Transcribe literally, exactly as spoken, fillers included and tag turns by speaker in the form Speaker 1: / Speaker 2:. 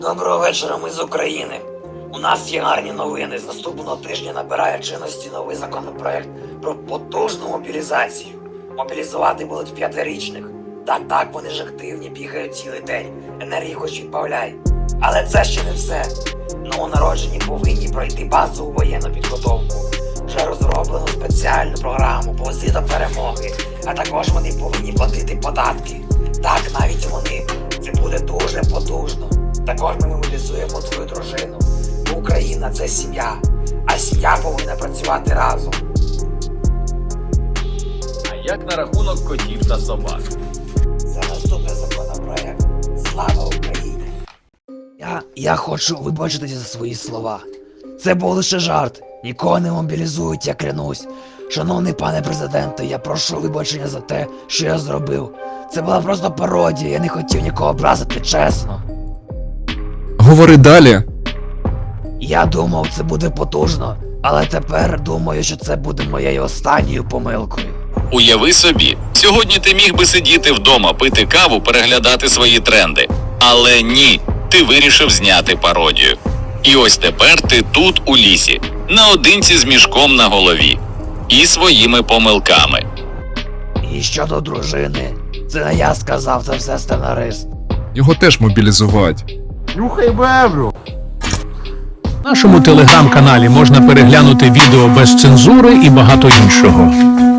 Speaker 1: Доброго вечора, ми з України. У нас є гарні новини. З наступного тижня набирає чинності новий законопроект про потужну мобілізацію. Мобілізувати будуть п'ятирічних. Так, так, вони ж активні, бігають цілий день. Енергії хоч відбавляй. Але це ще не все. Новонароджені повинні пройти базову воєнну підготовку. Вже розроблено спеціальну програму «Повзи до перемоги», а також вони повинні платити податки. Так, навіть вони. Це буде дуже потужно. Також ми мобілізуємо твою дружину. Бо Україна – це сім'я, а сім'я повинна працювати разом.
Speaker 2: А як на рахунок котів та собак?
Speaker 1: За наступний законопроект. Слава Україні! Я, я хочу вибачитися за свої слова. Це був лише жарт. Нікого не мобілізують, я клянусь. Шановний пане президенте, я прошу вибачення за те, що я зробив. Це була просто пародія, я не хотів нікого образити, чесно.
Speaker 3: Говори далі.
Speaker 1: Я думав, це буде потужно, але тепер думаю, що це буде моєю останньою помилкою.
Speaker 4: Уяви собі, сьогодні ти міг би сидіти вдома, пити каву, переглядати свої тренди. Але ні, ти вирішив зняти пародію. І ось тепер ти тут у лісі, наодинці з мішком на голові. І своїми помилками.
Speaker 1: І щодо дружини, це не я сказав, це все сценарист.
Speaker 3: Його теж мобілізувати.
Speaker 5: Нюхай бебру!
Speaker 6: В нашому телеграм-каналі можна переглянути відео без цензури і багато іншого.